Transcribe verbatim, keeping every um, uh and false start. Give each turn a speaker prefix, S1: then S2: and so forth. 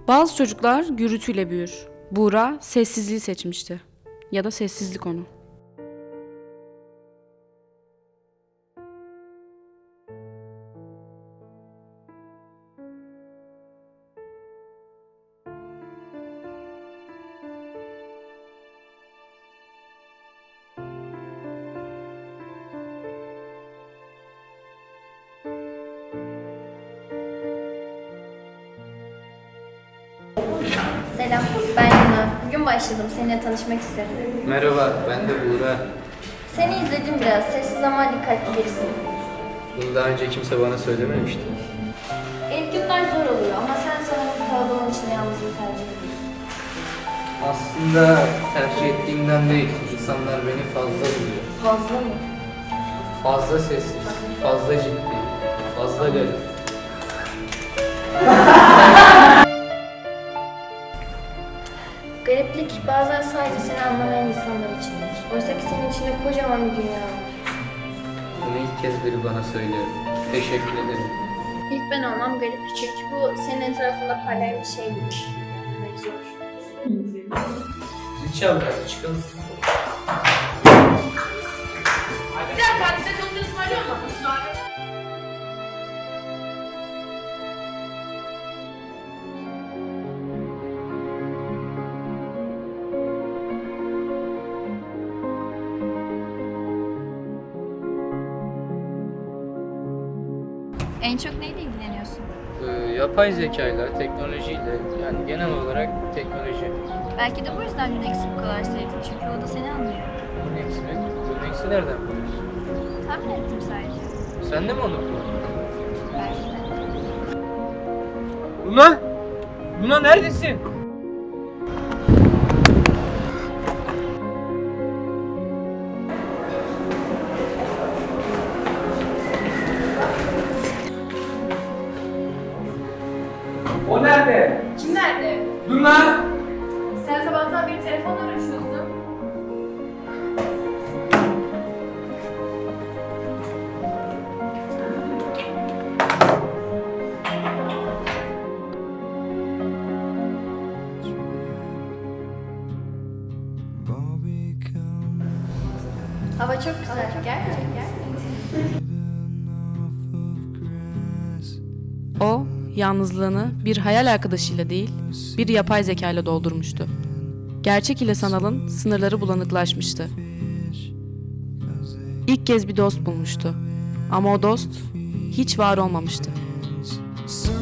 S1: Bazı çocuklar gürültüyle büyür. Buğra sessizliği seçmişti. Ya da sessizlik onu.
S2: Selam, ben Yana. Bugün başladım, seninle tanışmak istedim.
S3: Merhaba, ben de Buğra.
S2: Seni izledim biraz, sessiz ama dikkatli birisin.
S3: Bunu daha önce kimse bana söylememişti.
S2: İlk günler zor oluyor ama sen sanırım kalabalığın içinde yalnızlığı tercih ediyorsun.
S3: Aslında tercih ettiğimden değil, insanlar beni fazla buluyor.
S2: Fazla mı?
S3: Fazla sessiz, fazla ciddi, fazla garip.
S2: Gariplik bazen sadece seni anlamayan insanlar içindir. Oysa ki senin içinde kocaman bir dünya var.
S3: Bunu ilk kez biri bana söylüyor. Teşekkür ederim.
S2: İlk ben olmam garip çünkü bu senin etrafında parlayan bir şey değil. Yani zor.
S3: Zil çal biraz, çıkalım.
S4: Bir dakika, size çok ısmarlıyor mu?
S5: En çok neyle ilgileniyorsun?
S3: Ee, yapay zekayla, teknolojiyle, yani genel olarak teknoloji.
S5: Belki de bu yüzden Lunex'i bu kadar sevdim çünkü o da seni anlıyor.
S3: Lunex mi? Lunex'i nereden biliyorsun?
S5: Tahmin ettim sadece.
S3: Sen de mi onu kullandın?
S5: Belki de.
S3: Luna! Luna neredesin? O nerede?
S4: Kim nerede?
S3: Luna!
S4: Sen sabahtan beri telefonla uğraşıyorsun.
S2: Hava çok güzel, gerçekten.
S1: O, yalnızlığını bir hayal arkadaşıyla değil, bir yapay zekayla doldurmuştu. Gerçek ile sanalın sınırları bulanıklaşmıştı. İlk kez bir dost bulmuştu. Ama o dost hiç var olmamıştı.
S6: So